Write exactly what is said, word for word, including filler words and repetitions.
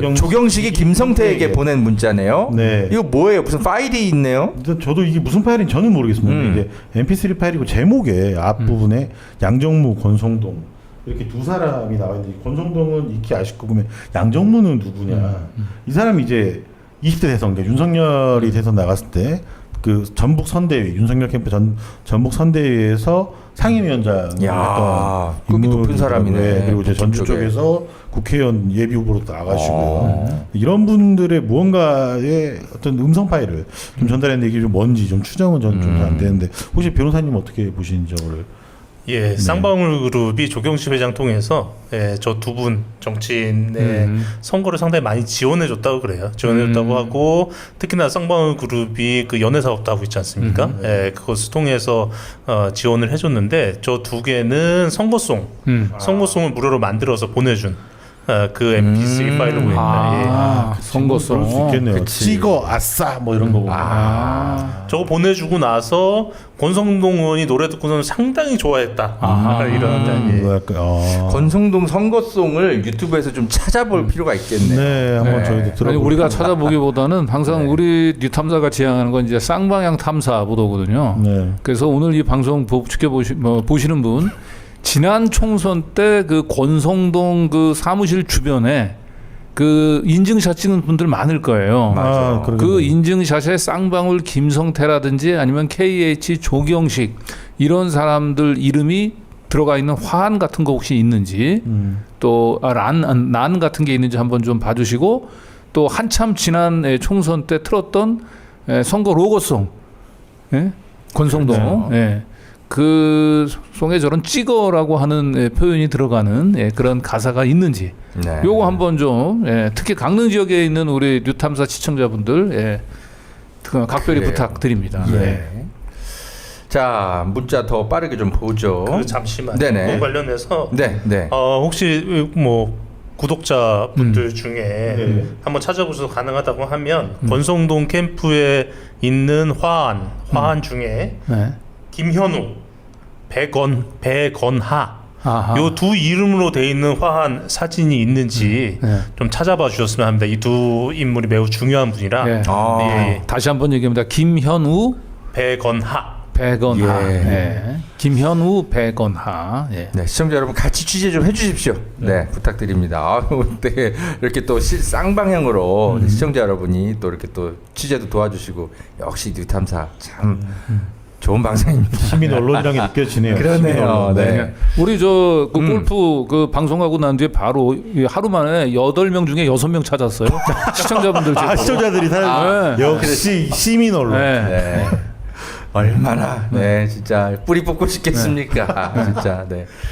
조경... 조경식이 김성태에게 보낸 문자네요. 네. 이거 뭐예요? 무슨 파일이 있네요? 저도 이게 무슨 파일인지 저는 모르겠습니다. 음. 이게 엠피쓰리 파일이고 제목에 앞부분에 음. 양정무, 권성동 이렇게 두 사람이 나와 있는데 권성동은 익히 아실 거고 양정무는 누구냐? 음. 음. 이 사람이 이제 이십 대 대선, 그러니까 윤석열이 대선 나갔을 때 그 전북 선대위, 윤석열 캠프 전 전북 선대위에서 상임위원장 했던 급이 높은 사람이네. 그리고 이제 전주 쪽에. 쪽에서 국회의원 예비 후보로 나가시고 아. 이런 분들의 무언가의 어떤 음성 파일을 좀 전달했는데 이게 좀 뭔지 좀 추정은 저는 좀 안 되는데 혹시 변호사님 어떻게 보시는지 저를? 예, 네. 쌍방울 그룹이 조경식 회장 통해서 예, 저 두 분 정치인의 음. 선거를 상당히 많이 지원해 줬다고 그래요. 지원해 줬다고 음. 하고 특히나 쌍방울 그룹이 그 연애 사업도 하고 있지 않습니까? 음. 예, 그것을 통해서 어, 지원을 해줬는데 저 두 개는 선거송, 음. 선거송을 무료로 만들어서 보내준. 어, 그 엠피쓰리 음. 파일로 보입니다. 아, 예. 선거송 그럴 수 있겠네요. 그치. 찍어 아싸 뭐 이런 거 보면. 아. 저거 보내주고 나서 권성동 의원이 노래 듣고는 상당히 좋아했다. 아. 이런 음, 뭐 약간, 어. 권성동 선거송을 유튜브에서 좀 찾아볼 음. 필요가 있겠네요. 네, 한번 네. 저희도 들어. 아니 우리가 찾아보기보다는 항상 네. 우리 뉴탐사가 지향하는 건 이제 쌍방향 탐사 보도거든요. 네. 그래서 오늘 이 방송 지켜보시 뭐, 보시는 분. 지난 총선 때 그 권성동 그 사무실 주변에 그 인증샷 찍은 분들 많을 거예요. 아, 그 인증샷에 쌍방울 김성태라든지 아니면 케이에이치 조경식 이런 사람들 이름이 들어가 있는 화환 같은 거 혹시 있는지 음. 또란 난 같은 게 있는지 한번 좀 봐주시고 또 한참 지난 총선 때 틀었던 선거 로고송 예? 권성동 예. 그 송에 저런 찍어라고 하는 예, 표현이 들어가는 예, 그런 가사가 있는지 네. 요거 한번 좀 예, 특히 강릉 지역에 있는 우리 뉴탐사 시청자분들 예, 각별히 그래요. 부탁드립니다. 예. 네. 자 문자 더 빠르게 좀 보죠. 그 잠시만요. 네네. 그 관련해서 네, 네. 어, 혹시 뭐 구독자분들 음. 중에 네. 한번 찾아보셔서 가능하다고 하면 음. 권성동 캠프에 있는 화환 화환 음. 중에 네. 김현우, 백건, 백건하 요 두 이름으로 돼 있는 화환 사진이 있는지 네. 좀 찾아봐 주셨으면 합니다. 이 두 인물이 매우 중요한 분이라 네. 아. 예. 다시 한번 얘기합니다. 김현우, 백건하, 백건하, 예. 네. 김현우, 백건하. 예. 네, 시청자 여러분 같이 취재 좀 해주십시오. 네, 네 부탁드립니다. 아유, 되게 이렇게 또 쌍방향으로 음. 시청자 여러분이 또 이렇게 또 취재도 도와주시고 역시 뉴탐사 참. 음. 좋은 방송입니다. 시민 언론이라는 게 느껴지네요. 그러네요. 네. 네. 우리 저 그 음. 골프 그 방송하고 난 뒤에 바로 하루 만에 여덟 명 중에 여섯 명 찾았어요. 시청자분들. 아, 시청자들이 다 아, 네. 역시 시민 언론. 네. 네. 얼마나 네 진짜 뿌리 뽑고 싶겠습니까? 네. 진짜 네.